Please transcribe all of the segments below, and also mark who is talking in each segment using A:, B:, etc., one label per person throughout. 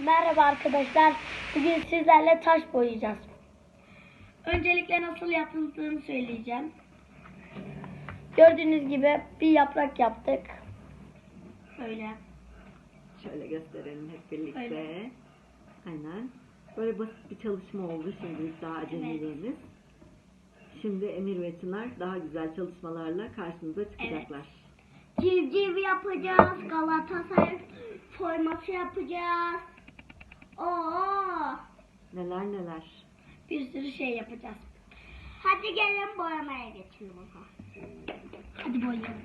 A: Merhaba arkadaşlar. Bugün sizlerle taş boyayacağız. Öncelikle nasıl yapıldığını söyleyeceğim. Gördüğünüz gibi bir yaprak yaptık. Böyle.
B: Şöyle gösterelim hep birlikte.
A: Öyle.
B: Aynen. Böyle basit bir çalışma oldu şimdilik, daha acemiliğimiz. Evet. Şimdi Emir ve Çınar daha güzel çalışmalarla karşınıza çıkacaklar.
A: Evet. Civciv yapacağız. Galatasaray forması yapacağız. Oo!
B: Neler.
A: Bir sürü şey yapacağız. Hadi gelin boyamaya geçelim o zaman. Hadi boyayalım.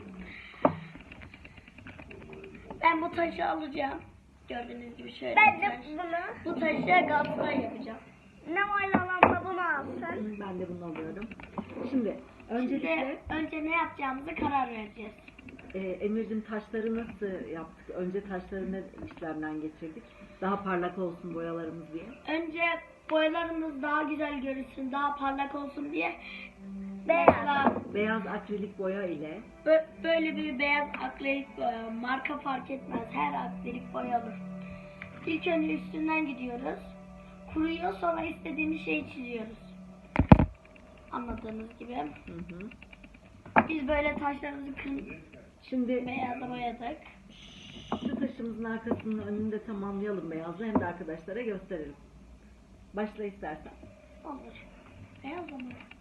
A: Ben bu taşı alacağım. Gördüğünüz gibi şöyle. Ben de bunu. Bu taşı Galatasaray yapacağım. Ne oynanamsa bunu alsın.
B: Ben de bunu alıyorum. Şimdi
A: önce ne yapacağımızı karar vereceğiz.
B: Emir'cim, taşları nasıl yaptık? Önce taşları ne işlemden geçirdik? Daha parlak olsun boyalarımız diye.
A: Önce boyalarımız daha güzel görünsün, daha parlak olsun diye
B: beyaz akrilik boya ile
A: böyle bir beyaz akrilik boya, marka fark etmez, her akrilik boya olur. İlk önce üstünden gidiyoruz. Kuruyor, sonra istediğimiz şeyi çiziyoruz. Anladığınız gibi.
B: Hı.
A: Biz böyle taşlarımızı
B: Şimdi
A: beyaza boyadık.
B: Şu taşımızın arkasının önünü de tamamlayalım beyazla, hem de arkadaşlara gösterelim. Başla istersen.
A: Olur. Beyaz mı?